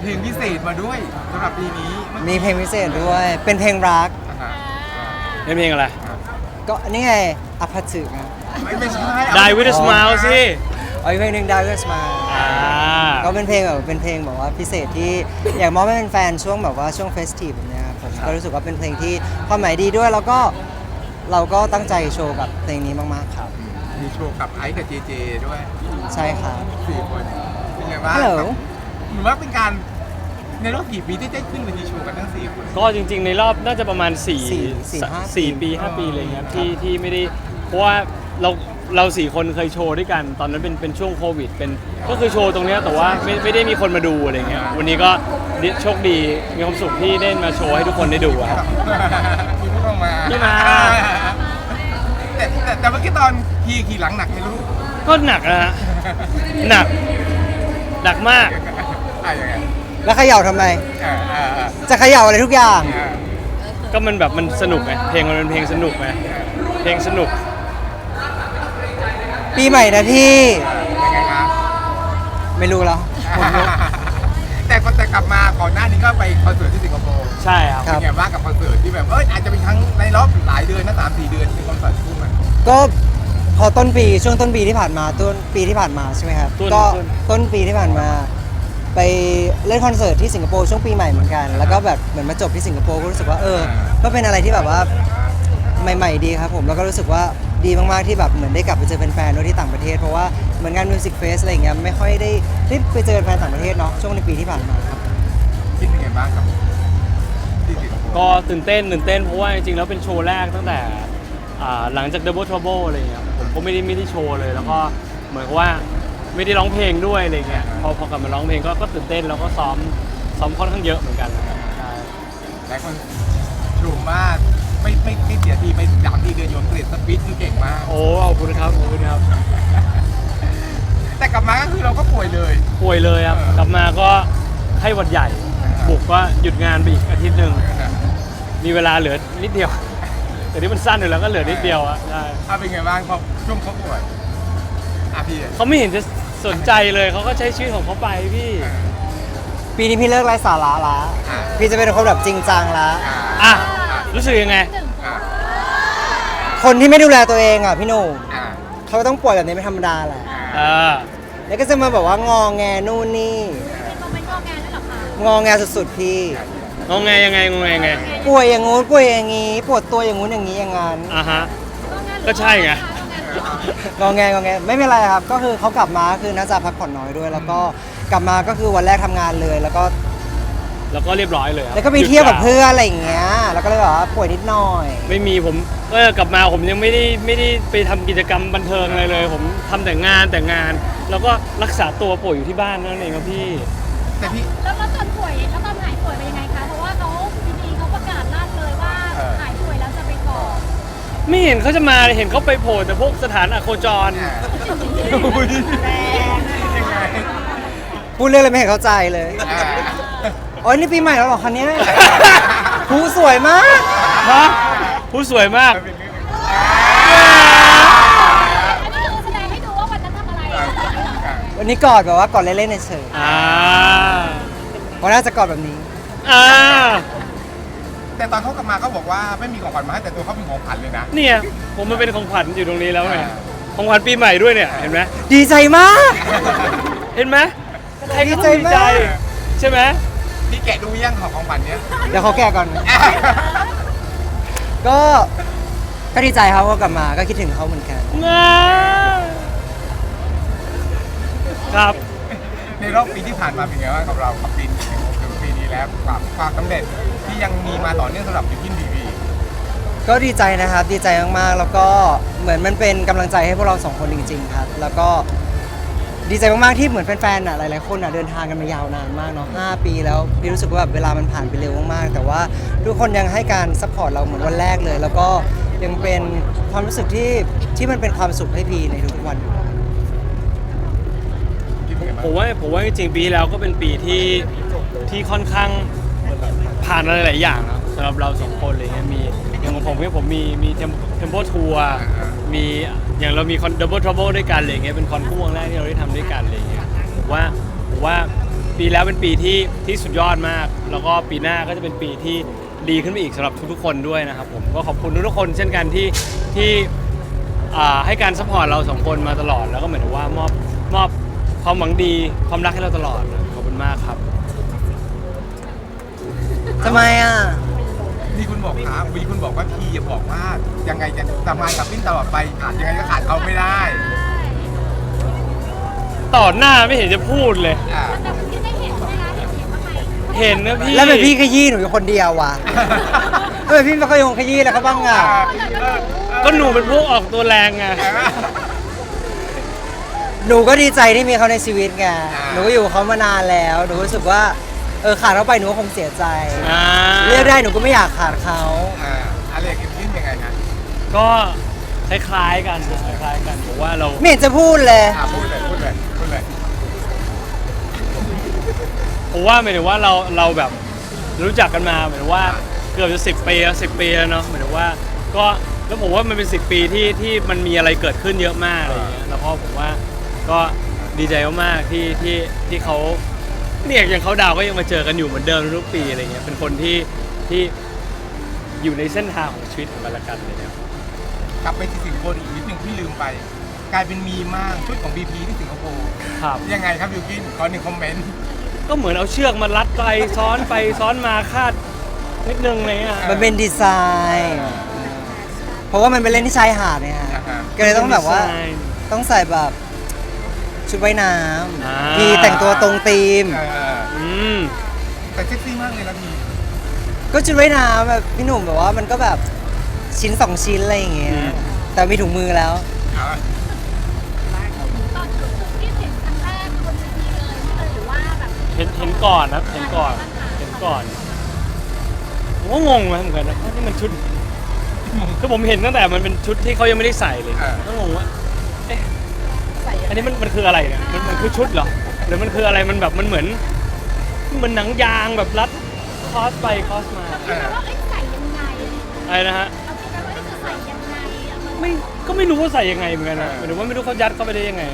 เพลงพิเศษมาด้วยสำหรับปีนี้มีเพลงพิเศษด้วย เป็นเพลงรักอ่าเป็นเพลงอะไรก็นี่ไงอภัสึกนะไม่ใช่ Die with a smile สิเอาอีกเพลงหนึ่ง Die With a Smile ก็เป็นเพลงแบบว่าพิเศษที่อยากมอบให้เป็นแฟนช่วงแบบว่าช่วงเฟสทีฟแบบเนี้ยครับผมก็รู้สึกว่าเป็นเพลงที่ความหมายดีด้วยแล้วก็เราก็ตั้งใจโชว์กับเพลงนี้มากๆครับมีโชว์กับไอซ์กับเจเจด้วยใช่ครับ 4 คนเป็นไงบ้างฮัลโหลเหมือนว่าเป็นการในรอบกี่ปีที่ได้ขึ้นเวทีโชว์กันทั้ง4 คนก็จริงๆในรอบน่าจะประมาณ4 สี่ห้าปี 4 ปี 5 ปีอะไรเงี้ยที่ไม่ได้เพราะว่าเรา4 คนเคยโชว์ด้วยกัน ตอนนั้นเป็นช่วงโควิดก็คือโชว์ตรงเนี้ยแต่ว่าไม่ได้มีคนมาดูอะไรเงี้ยวันนี้ก็โชคดีมีความสุขที่ได้มาโชว์ให้ทุกคนได้ดูอะครับมีพวกเรามาพี่มาแต่เมื่อกี้ตอนขี่หลังหนักไหมลูกก็หนักนะฮะหนักมากยังไงแล้วเขย่าทำไมอ่าอ่าอ่าจะเขย่าอะไรทุกอย่างอ่าก็มันแบบมันสนุกไงเพลงมันเป็นเพลงสนุกไงเพลงสนุกปีใหม่นะพี่ยังไงครับไม่รู้แล้วผมรู้แต่กลับมาก่อนหน้านี้ก็ไปคอนเสิร์ตที่สิงคโปร์ใช่ครับครับเป็นไงบ้างกับคอนเสิร์ตที่แบบอาจจะเป็นครั้งในรอบหลายเดือนนะ3-4 เดือนที่คอนเสิร์ตคู่มันก็พอช่วงต้นปีที่ผ่านมาต้นปีที่ผ่านมาใช่ไหมครับ ก็ต้นปีที่ผ่านมา ไปเล่นคอนเสิร์ตที่สิงคโปร์ช่วงปีใหม่เหมือนกัน แล้วก็แบบเหมือนมาจบที่สิงคโปร์ก็รู้สึกว่าก็เป็นอะไรที่แบบว่าใหม่ๆดีครับผมแล้วก็รู้สึกว่าดีมากๆที่แบบเหมือนได้กลับไปเจอแฟนๆด้วยที่ต่างประเทศเพราะว่าเหมือนงานมิวสิกเฟสอะไรอย่างเงี้ยไม่ค่อยได้ไปเจอแฟนต่างประเทศเนาะช่วงในปีที่ผ่านมาครับคิดเป็นไงบ้างครับที่สิงคโปร์ก็ตื่นเต้นเพราะว่าจริงๆแล้วเป็นโชว์แรกตั้งแต่หลังจาก Double Trouble อะไรเงี้ยผมก็ไม่ได้โชว์เลย แล้วก็เหมือนกับว่าไม่ได้ร้องเพลงด้วยอะไรเงี้ยพอกลับมาร้องเพลงก็ตื่นเต้นแล้วก็ซ้อมค่อนข้างเยอะเหมือนกันใช่หลายคนชมว่าไม่เสียทีไป3-4 เดือนโยนเกรดสปีดคือเก่งมากโอ้ขอบคุณครับแต่กลับมาก็คือเราก็ป่วยเลยป่วยเลยครับกลับมาก็ไข้หวัดใหญ่บุกก็หยุดงานไปอีกอาทิตย์หนึ่งมีเวลาเหลือนิดเดียวแต่นี่มันสั้นอยู่แล้วก็เหลือนิดเดียวอะใช่เป็นไงบ้างพอช่วงเขาป่วยพี่เขาไม่เห็นจะสนใจเลยเขาก็ใช้ชีวิตของเขาไปพี่ปีนี้พี่เลิกไร้สาระละพี่จะเป็นคนแบบจริงจังละอ่ะรู้สึกยังไงคนที่ไม่ดูแลตัวเองอ่ะพี่หนุ่มอ่าเขาต้องป่วยแบบนี้เป็นธรรมดาแหละเออแล้วก็จะมาแบบว่างอแงนู่นนี่เป็นโมเมนต์งอแงด้วยเหรอคะงอแงสุดๆพี่งงไงยังไงป่วยอย่างงู้นป่วยอย่างงี้ปวดตัวอย่างงู้นอย่างงี้อย่างงั้นอ่ะฮะงอแงหรือก็ใช่ไงงอแงไม่เป็นไรครับ ก็คือเขากลับมาคือน่าจะพักผ่อนน้อยด้วย แล้วก็กลับมาก็คือวันแรกทำงานเลย แล้วก็แล้วก็เรียบร้อยเลยครับแล้วก็ไปเที่ยวกับเพื่อนอะไรอย่างเงี้ยแล้วก็เลยแบบว่าป่วยนิดหน่อยไม่มีผมก็กลับมาผมยังไม่ได้ไปทำกิจกรรมบันเทิงอะไรเลย ผมทำแต่งานแล้วก็รักษาตัวป่วยอยู่ที่บ้านนั่นเองครับพี่แต่พี่แล้วตอนป่วยแล้วตอนหายป่วยเป็นยังไงคะ เพราะว่าเขาดีๆเขาประกาศลั่นเลยว่าหายป่วยแล้วจะไปก่อนไม่เห็นเขาจะมาเลยเห็นเขาไปโผล่แต่พวกสถานอโคจรยังไงพูดเรื่องอะไรไม่เห็นเข้าใจเลยอ๋อนี่ปีใหม่แล้วเหรอคะเนี้ยผู้สวยมากฮะผู้สวยมากอันนี้คือแสดงให้ดูว่าวันนั้นทำอะไรอะวันนี้กอดแบบว่ากอดเล่นๆเฉยอ่าๆเพราะน่าจะกอดแบบนี้อ่าแต่ตอนเขากลับมาเขาบอกว่าไม่มีของขวัญมาให้แต่ตัวเขาเป็นของขวัญเลยนะเนี่ยผมมันเป็นของขวัญอยู่ตรงนี้แล้วไงของขวัญปีใหม่ด้วยเนี่ยเห็นไหมดีใจมากเห็นไหมใครก็ต้องดีใจใช่ไหมพี่แกะดูยังของขวัญเนี้ยเดี๋ยวเขาแก่ก่อน ก็ดีใจครับเขากลับมาก็คิดถึงเขาเหมือนกันง่าครับในรอบปีที่ผ่านมาเป็นไงบ้างกับเรากับถึงปีนี้แล้วความสำเร็จที่ยังมีมาต่อเนื่องสำหรับยูทินทีวีก็ดีใจนะครับดีใจมากๆแล้วก็เหมือนมันเป็นกำลังใจให้พวกเราสองคนจริงๆครับแล้วก็ดีใจมากๆที่เหมือนแฟนๆหลายๆคนเดินทางกันมายาวนานมากเนาะ5 ปีแล้วพี่รู้สึกว่าแบบเวลามันผ่านไปเร็วมากๆแต่ว่าทุกคนยังให้การซัพพอร์ตเราเหมือนวันแรกเลย แล้วก็ยังเป็นความรู้สึกที่มันเป็นความสุขให้พี่ในทุกๆวันอยู่คิดเป็นไงบ้างผมว่าจริงๆปีที่แล้วก็เป็นปีที่ค่อนข้างผ่านอะไรหลายอย่างนะสำหรับเราสองคนอะไรเงี้ยมีอย่างของผมเนี่ยผมมีเทมโปทัวร์มีอย่างเรามีคอนดับเบิลทรัเบิลด้วยกันอะไรเงี้ยเป็นคอนคู่วงแรกที่เราได้ทำด้วยกันอะไรเงี้ยผมว่าผมว่าปีแล้วเป็นปีที่สุดยอดมาก แล้วก็ปีหน้าก็จะเป็นปีที่ดีขึ้นไปอีกสำหรับทุกๆคนด้วยนะครับผมก็ขอบคุณทุกๆคนเช่นกันที่ให้การซัพพอร์ตเราสองคนมาตลอดแล้วก็เหมือนว่ามอบความหวังดีความรักให้เราตลอดขอบคุณมากครับทำไมอ่ะนี่คุณบอกครับวีคุณบอกว่าพีอย่าบอกว่ายังไงจะทำงานกับปิ้นตลอดไปขาดยังไงก็ขาดเขาไม่ได้ต่อหน้าไม่เห็นจะพูดเลยอ่าแต่คุณที่ได้เห็นใช่ไหมคะเห็นว่าใครเห็นนะพี่แล้วเป็นพี่ขยี้หนูอยู่คนเดียววะทำไมพี่ไม่ค่อยยงขยี้แล้วเขาบ้างอ่ะก็หนูเป็นพวกออกตัวแรงไงหนูก็ดีใจที่มีเขาในชีวิตไงหนูก็อยู่กับเขามานานแล้วหนูรู้สึกว่าขาดเขาไปหนูก็คงเสียใจ เรียกได้หนูก็ไม่อยากขาดเขาอะไรกับปิ้นยังไงนะก็คล้ายๆกันผมว่าเราไม่เห็นจะพูดเลยพูดเลยผมว่าหมายถึงว่าเราแบบรู้จักกันมาหมายถึงว่าเกือบจะ10 ปีแล้วเนาะหมายถึงว่าก็แล้วผมว่ามันเป็น10 ปีที่มันมีอะไรเกิดขึ้นเยอะมากอะไรอย่างเงี้ยแล้วก็ผมว่าก็ดีใจมากๆที่เขาเนี่ยอย่างเขาดาวก็ยังมาเจอกันอยู่เหมือนเดิมทุกปีอะไรเงี้ยเป็นคนที่อยู่ในเส้นทางของชีวิตของกันและกันเลยเนี่ยกลับไปที่สิงคโปร์อีกนิดนึงที่ลืมไป กลายเป็นมีมากชุดของ BP ที่สิงคโปร์ครับยังไงครับบิวกินขอหนึ่งคอมเมนต์ก็เหมือนเอาเชือกมารัดไปซ้อนมาคาดนิดนึงอะไรเลยอ่ะมันเป็นดีไซน์ เพราะว่ามันเป็นเล่นที่ชายหาดเนี่ยฮะก็เลยต้องแบบว่าต้องใส่แบบชุดว่ายน้ำพี่แต่งตัวตรงธีมอืมแต่เซ็กซี่มากเลยนะพี่ก็ชุดว่ายน้ำแบบพี่หนุ่มแบบว่ามันก็แบบชิ้น2 ชิ้นอะไรอย่างเงี้ยแต่มีถุงมือแล้วตอนที่เห็นครั้งแรกบนเวทีเลยนี่เลยหรือว่าแบบเห็นก่อนนะเห็นก่อนผมก็งงนะเหมือนกันนะว่านี่มันชุดคือผมเห็นตั้งแต่มันเป็นชุดที่เขายังไม่ได้ใส่เลยก็งงว่าเอ๊ะอันนี้มันคืออะไรเนี่ยมันคือชุดเหรอหรือมันคืออะไรมันแบบมันเหมือนหนังยางแบบรัดคอสไปคอสมาเราคิดว่าใส่ยังไงอะไรนะฮะเราคิดว่าจะใส่ยังไงไม่รู้ว่าใส่ยังไงเหมือนกันนะหรือว่าไม่รู้เขายัดเข้าไปได้ยังไง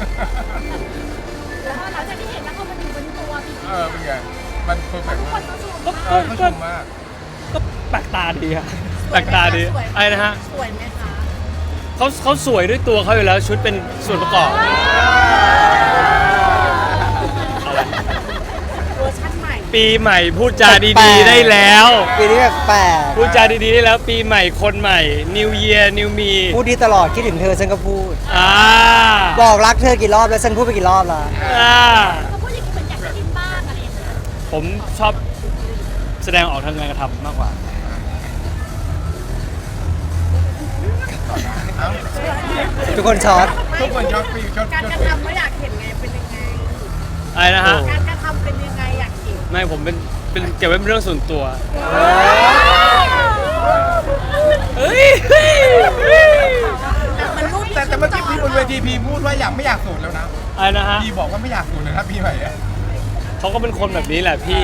แล้วหลังจากที่เห็นแล้วเขามาอยู่บนตัวพี่เป็นไงมันเพอร์เฟกต์คมากนก็ชมก็เขาชก็มมากก็แปลกตาดีอะแปลกตาดีอะไรนะฮะสวยไหมคะเขาสวยด้วยตัวเขาอยู่แล้วชุดเป็นส่วนประกอบเวอร์ชั่นใหม่ปีใหม่พูดจาแปลดีกๆๆได้แล้วปีนี้แปลกพูดจาดีๆได้แล้วปีใหม่คนใหม่ New Year New Me พูดดีตลอดคิดถึงเธอฉันก็พูดอ่าบอกรักเธอกี่รอบแล้วฉันพูดไปกี่รอบแล้วอ่าเขาพูดอย่างนี้เหมือนอยากจะกินบ้างอะไรอย่างเงี้ยผมชอบแสดงออกทางการกระทำมากกว่าทุกคนช็อตทุกคนช็อตฟิลช็อตการช็อตกระฟิลทำไม่อยากเห็นไงเป็นยังไงอะไรนะฮะการกระทำเป็นยังไงอยากเห็นไม่ผมเป็นเก็บไว้เป็นเรื่องส่วนตัวเฮ้ยมันรูปแต่เมื่อกี้พี่บนเวทีพีพูดว่าไม่อยากสูดแล้วนะอะไรนะฮะพีบอกว่าไม่อยากสูดเลยนะพี่ใหม่อะเขาก็เป็นคนแบบนี้แหละพี่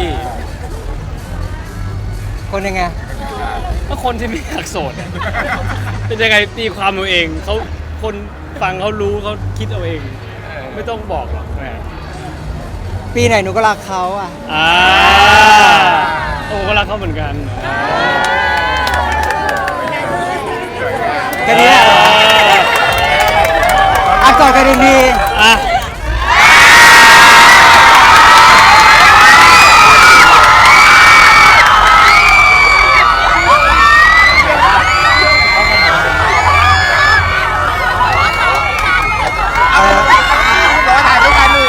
คนยังไงก็คนที่ไม่อยากโสดอะเป็นยังไงตีความเอาเองเขาคนฟังเขารู้เขาคิดเอาเอง ไม่ต้องบอกหรอกแหมปีไหนหนูก็รักเขาอ่ะโอ้ก็รักเขาเหมือนกันแค่นี้แหละอ่ะกอดกันอีกทีอ่ะรอถ่ายด้วยกันดิ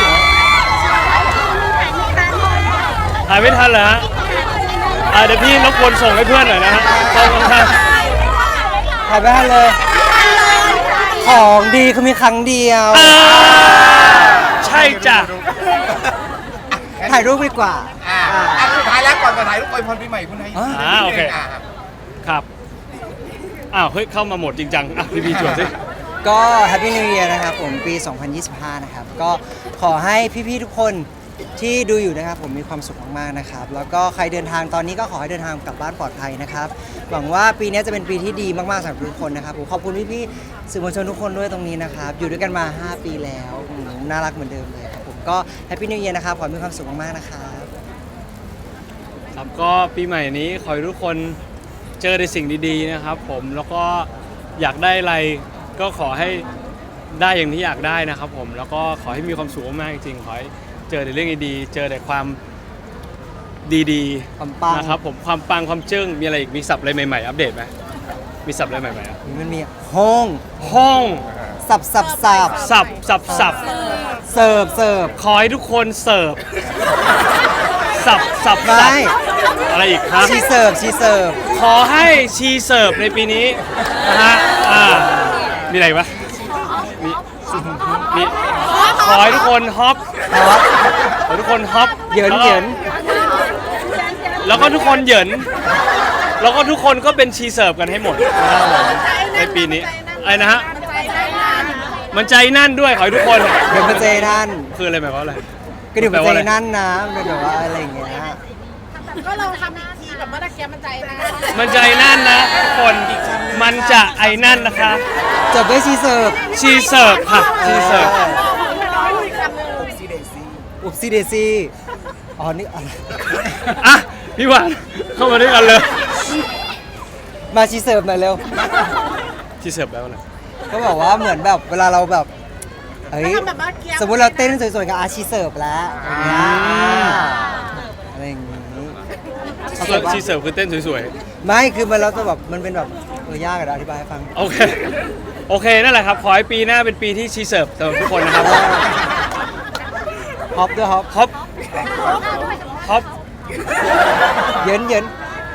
ถ่ายไม่ทันเหรอฮะเดี๋ยวพี่รบกวนส่งให้เพื่อนหน่อยนะฮะขอบคุณครับถ่ายไปให้เลย ของดีคือมีครั้งเดียวใช่จ้ะถ่ายรูปดีกว่าสุดท้ายแล้วก่อนจะถ่ายรูปอวยพรปีใหม่คุณให้โอเคครับอ้าวเฮ้ยเข้ามาโหมดจริงจังอ่ะพี่จวดสิก็ Happy New Year นะครับผมปี 2025 นะครับ ก็ขอให้พี่ๆทุกคนที่ดูอยู่นะครับผมมีความสุขมากๆนะครับ แล้วก็ใครเดินทางตอนนี้ก็ขอให้เดินทางกลับบ้านปลอดภัยนะครับ หวังว่าปีนี้จะเป็นปีที่ดีมากๆสำหรับทุกคนนะครับผมขอบคุณพี่ๆสื่อมวลชนทุกคนด้วยตรงนี้นะครับ อยู่ด้วยกันมา 5 ปีแล้วน่ารักเหมือนเดิมเลยครับผมก็แฮปปี้นิวเยียร์นะครับขอให้มีความสุขมากๆนะครับครับก็ปีใหม่นี้ขอให้ทุกคนเจอในสิ่งดีๆนะครับผมแล้วก็อยากได้อะไรก็ขอให้ได้อย่างที่อยากได้นะครับผมแล้วก็ขอให้มีความสุขมากๆจริงๆขอให้เจอแต่เรื่องดีๆเจอแต่ความดีความปังนะครับผมความปังความจึ้งมีอะไรอีกมีศัพท์อะไรใหม่ๆอัปเดตไหมมีศัพท์อะไรใหม่ๆอ่ะมันมีห้องห้องสับสับสับสับเสิร์ฟเสิร์ฟขอให้ทุกคนเสิร์ฟสับไม่อะไรอีกครับชีเสิร์ฟชีเสิร์ฟขอให้ชีเสิร์ฟในปีนี้นะฮะมีอะไรวะมีขอให้ทุกคนฮอปครับขอให้ทุกคนฮอปเหยินแล้วเหก็ยินแล้วก็ทุกคนเหยินแล้วก็ทุกคนก็เป็นชีเสิร์ฟกันให้หมดนะครับผมในปีนี้อะไรนะฮะ มันใจนั่นด้วยขอให้ทุกคนเดี๋ยวมาเจนั่นคืออะไรหมายความว่าอะไรก็เดี๋ยวมาเจนั่นนะมันเป็นแบบว่าอะไรอย่างเงี้ยก็ลองทำอีกทีแบบเมื่อกี้มันใจนะมันใจนั่นนะทุกคนมันจะไอ้นั่นนะคะจบด้วยชีเสิร์ฟชีเสิร์ฟค่ะชีเสิร์ฟอุบซีเดซี่อ๋อนี่อะไรอ่ะพี่หวานเข้ามาด้วยกันเลยมาชีเสิร์ฟหน่อยเร็วชีเสิร์ฟแล้วนะก็บอกว่าเหมือนแบบเวลาเราแบบเฮ้ยทำแบบเมื่อกี้สมมติเราเต้นสวยๆกับอาชีเสิร์ฟแล้วอย่างเงี้ยอะไรอย่างงี้เข้าใจปะชีเสิร์ฟคือเต้นสวยไม่คือมันเราจะแบบมันเป็นแบบยากอะเดี๋ยวอธิบายให้ฟังๆโอเคโอเคนั่นแหละครับขอให้ปีหน้าเป็นปีที่ชีเสิร์ฟสำหรับทุกคนนะครับฮอปด้วยฮอปฮอปฮอปเยินเยิน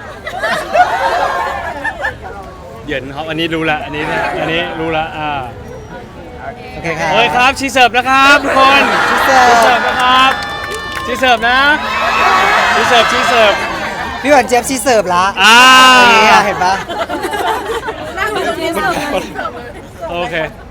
เหยินฮอปอันนี้รู้ละอันนี้รู้ละโอเคครับโอเคครับชีเสิร์ฟนะครับทุกคนชีเสิร์ฟชีเสิร์ฟนะครับชีเสิร์ฟนะชีเสิร์ฟชีเสิร์ฟพี่หวานเจี๊ยบชีเสิร์ฟละอ่านี่เห็นปะนั่งอยู่ตรงนี้เสิร์ฟโอเค